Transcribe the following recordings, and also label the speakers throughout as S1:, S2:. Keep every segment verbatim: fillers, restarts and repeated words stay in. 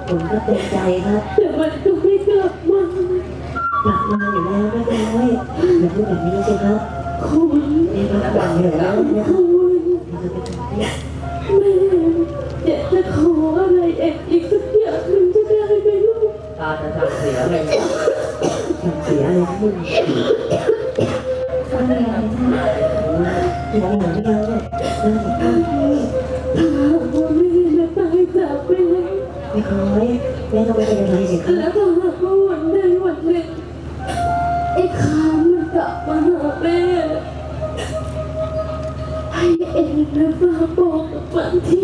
S1: ผมก็เต็มใจครับ
S2: แต่มันก็ไม่กลับมาก
S1: ลับมาอยู่แล้วไม่เป็นไรอย่าพูดแบบนี้สิครับ
S2: คุณ
S1: นี่ก็หวังอยู่แล้วนะค
S2: คุ
S1: รับ
S2: ณ
S1: นี่ก็เป็นสิ่งที่
S2: แม่อยากจะขออะไรเอ็ดอีกสักอย่างหนึ่งจะได้ไหมลูก
S3: ตาจะทำเสียเลย
S1: ทำเสียอะไรขึ้น
S2: ทำอะไรนะ
S1: ที่เราหนังยังเนี่ยน่าสงสาร
S2: ถ้าหากว่าแม่จะตายจากไปแล้ว
S1: ไม่คอยแม่ต้องไม่เป็นอะไรสิครับ
S2: แล้วถ้าหากว่าวันใดวันหนึ่งไอ้คามมันกลับมาหาแม่ให้เองนะฝากบอกกับบางที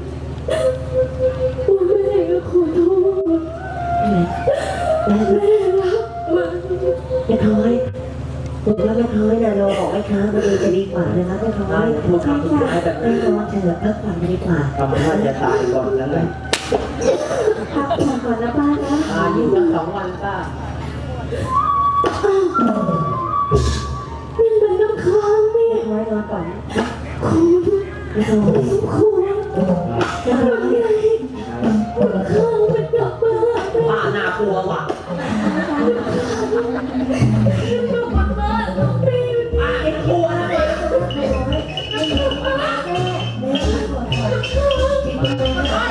S2: ว่าแม่ก็ขอโทษ
S1: แม่
S2: แม่รักมัน
S1: ไม่คอยผมว่าไม่คอยนะเราบอกไม่ค้ามันดีจะดีกว่านะครับไม่คอ
S3: ตาย พูดคำสุดท้ายแบบ
S1: ไม่
S3: นี้
S1: คอยเถอะพักผ่อนดีกว่า
S3: ทำว่าจะตายก่อนแล้วไง
S2: พักผ่อนก่อนนะป้านะ
S3: ตายอยู่ตั้งสองวันป้า
S2: นี่มันน้ำค้างนี่
S1: ไม่คอยนอนก่อน
S2: คุณ
S1: ไม่คอย
S2: คุณ
S1: ไม่คอย
S2: คุณค้าง